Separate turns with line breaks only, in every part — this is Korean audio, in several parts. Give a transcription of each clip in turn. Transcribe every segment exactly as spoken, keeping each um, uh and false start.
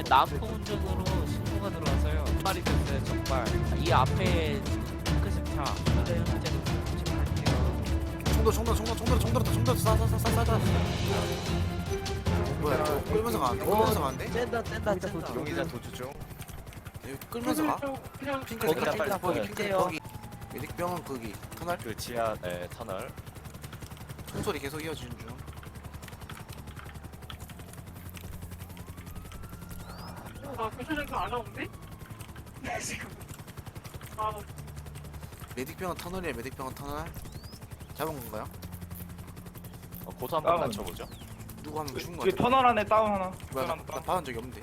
남포 운전으로 신고가 들어와서요. 정발이 됐어요. 정발. 이 앞에 핑크색 차. 현재 현재 할게요.
총도 총도 총도 총도 총도 총도 쏴쏴쏴쏴쏴. 뭐야? 이거 끌면서 가? 끌면서 가는데?
뗀다 뗀다 뗀다.
용의자 도주 중.
여기 끌면서 가? 핑크
거기다
색깔
빨리
핑크 거기
보여요.
핑크 거기. 메딕병은 거기 터널.
그 지하 네, 터널.
총소리 계속 이어지는 중.
아, 교차장도 안 나오는데? 지금. 아,
메딕병은 터널이에요. 메딕병은 터널. 잡은 건가요?
어, 고소 한번
다운.
맞춰보죠.
누구 하면 죽은 거
뒤에
같아.
터널 안에 다운 하나.
뭐야?
터널
나,
안에
나
다운.
봐본 적이 없는데.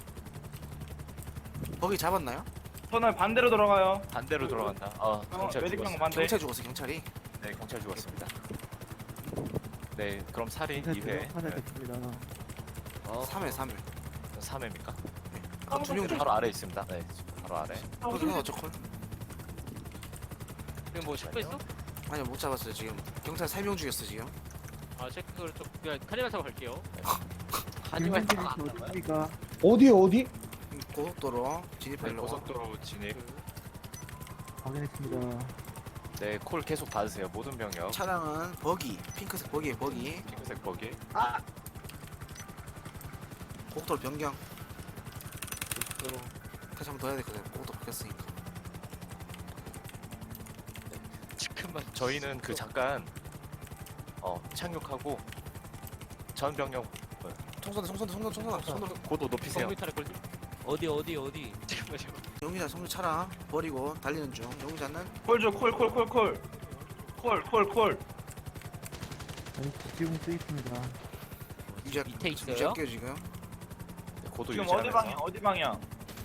거기 잡았나요?
터널 반대로 들어가요.
반대로 돌아간다. 아, 경찰
메딕병
죽었어.
반대.
경찰 죽었어 경찰이.
네, 경찰 죽었습니다. 네, 그럼 살인 이 회.
어,
삼 회 삼 회.
삼 회입니까?
아, 두명 죽.
바로 아래 있습니다. 네, 바로 아래.
거기는 어쩌콜?
지금 뭐 씻고 있어?
아니요 못 잡았어요 지금. 경찰 세 명 죽였어 지금.
아 체크를 좀 그냥 카니발 타고 갈게요.
하지만
어디 어디?
고속도로
네,
진입하려고.
고속도로 진입.
확인했습니다.
네, 콜 계속 받으세요. 모든 병력.
차량은 버기, 핑크색 버기에 버기.
핑크색 버기.
고속도로 변경. 다시 한 번 더 해야 될거같요 고속도로 바뀌었으니까.
지금만 저희는 그 잠깐 어 착륙하고 전 병력
총선대 총선대 총선 총선 총선.
고도 높이세요.
컴퓨터를 걸지?
어디 어디 어디.
잠깐만 잠깐만.
용의자 성주 차량 버리고 달리는 중. 용의자는
콜줘 콜콜 콜 콜. 콜 콜 콜.
지금 쓰 있습니다.
유지할
밑에 있어요?
유지할게요 지금.
네, 고도
지금 어디
유지하면서.
방향? 어디 방향?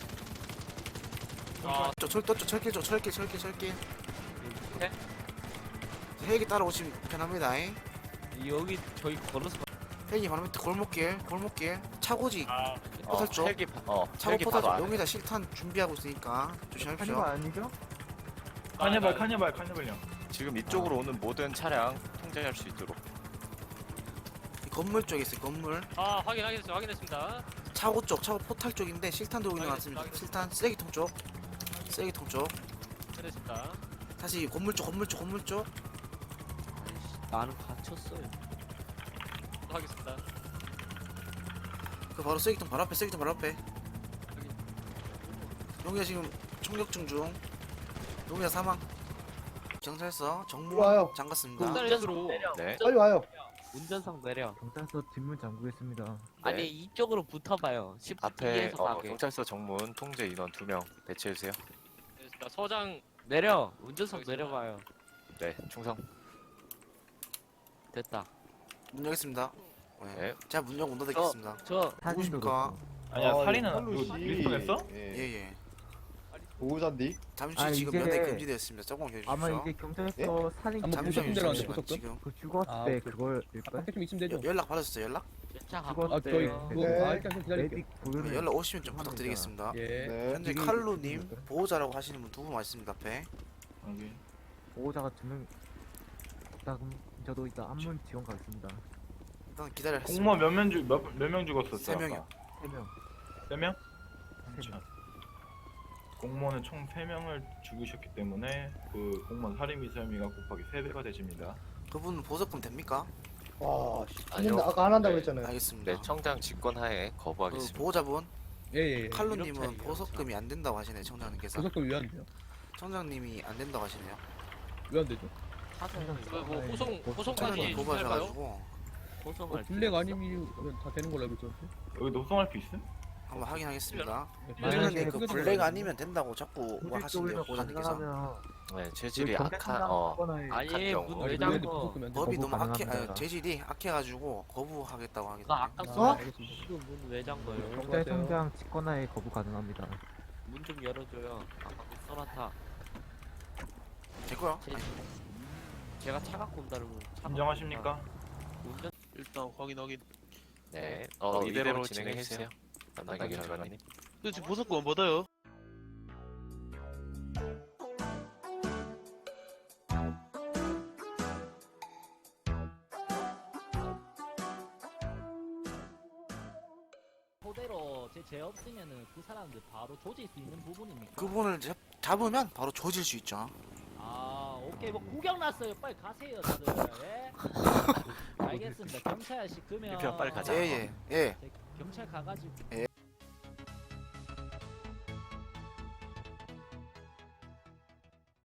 아
저철또 철길 쪽 철길 철길 철길.
네?
헬기 따라오시면 편합니다. 잉?
여기 저희 걸어서 가-
헬기 바로 밑에 골목길 골목길 차고지
아,
어,
포탈 쪽.
헬기 바- 어,
차고
헬기
포탈
바로
쪽
안에.
용의자 실탄 준비하고 있으니까 조심하십시오.
아니죠?
카니발 카니발 카니발요.
지금 이쪽으로 오는 모든 차량 통제할 수 있도록.
이 건물 쪽에 있어요 건물.
아 확인 확인했습니다. 확인했습니다.
차고 쪽 차고 포탈 쪽인데 실탄 들고 있는 것 같습니다.
알겠습니다.
실탄 쓰레기통 쪽 쓰레기통 쪽.
잘했습니다.
다시 건물 쪽 건물 쪽 건물 쪽.
나는 갇혔어요.
하겠습니다.
그 바로 쓰레기통 바로 앞에 쓰레기통 바로 앞에. 용의자 지금 총격증 중. 용의자 사망. 경찰서 정무
와요.
잠갔습니다.
쌀수로
네.
빨리 와요.
운전석 내려.
경찰서 뒷문 잠그겠습니다.
아니 이쪽으로 붙어봐요.
앞에
십에서
어,
가게.
경찰서 정문 통제 인원 두 명 배치해 주세요.
알겠습니다. 서장
내려. 운전석
알겠습니다.
내려봐요.
네, 충성.
됐다.
문 열겠습니다. 네.
네.
제가 문 열고 문 닫겠습니다.
저
누구십니까?
아니야
아,
살인은
칼로
누구
씨.
리스통했어?
예.
예예.
보호자인데?
잠시
아,
지금
이게-
면회 금지되었습니다. 조금 기다려주십시오.
아마 이게 경찰서 살인
한번
잠시만요.
보셨던 대로
잠시만
안
지금
그 죽었을
아,
때
오케이.
그걸일까요?
밖에 좀 있으면 되죠.
여- 연락 받으셨어요? 연락?
차
아,
갖고
저희
왔대요.
뭐,
네.
아, 일단 좀 기다릴게요.
메딕 보유를
네, 연락 오시면 좀
합니다.
부탁드리겠습니다.
예.
네.
현재
이게-
칼루님 보호자라고 하시는 분 두 분 있습니다. 앞에.
여기.
보호자가 두명 있다 그럼 저도 이따 안문 지원 가겠습니다.
일단 기다려.
공무원 몇명죽몇몇 명 죽었었어?
세 명이요.
세 명.
세 명?
세 명.
공무원은 총 세 명을 죽이셨기 때문에 그 공무원 살인 미수 혐의가 곱하기 세 배가 되집니다.
그분 보석금 됩니까?
와, 씨.
아니요.
근데 아까 안 한다고
네.
했잖아요.
알겠습니다.
네, 청장 직권하에
그
거부하겠습니다.
보호자분
예, 예, 예.
칼루님은
이렇게
보석금이 안 된다고 하시네요. 청장님께서.
고속도로 왜 안 돼요?
청장님이 안 된다고 하시네요.
왜 안 되죠?
뭐, 뭐 호송 호송까지
청장님
할까요?
보호하셔가지고
호송할
어, 블랙 아니면 다 되는 걸로 알고 있었는데.
여기 노송할 수 있음?
한번 확인하겠습니다.
네,
청장님 그
그거 좀
블랙
알아요.
아니면 된다고 자꾸 뭐 하신대요.
쪽으로
보호자님께서.
가능하면
네, 체질이 악한 어
아니
간병.
문
아니,
왜
왜
잠궈?
무섭게 안 돼?
법이
거부
너무 악해,
가능합니다.
아, 재질이 악해가지고 거부하겠다고
나
하겠네요.
아까
아,
써?
알겠습니다.
이거 문왜 잠궈요?
경찰청장 직권하에 거부 가능합니다.
문 좀 열어줘요. 아까 그 써놨다.
됐고요.
제, 제가 차 갖고 온다는 거. 차
인정하십니까?
갖고 온다. 운전
일단 확인 확인.
네. 어, 이대로 진행해 주세요. 담당기 결과님.
근데 지금 보석금 못 받아요.
토대로 제 죄 없으면은 그 사람들 바로 조질 수 있는 부분입니까?
그분을 잡, 잡으면 바로 조질 수 있죠.
아 오케이 뭐 구경 났어요. 빨리 가세요 다들. 예? 알겠습니다. 경찰 씨 그러면
유피야, 빨리 가자.
예예 예. 예.
경찰 가가지고
예.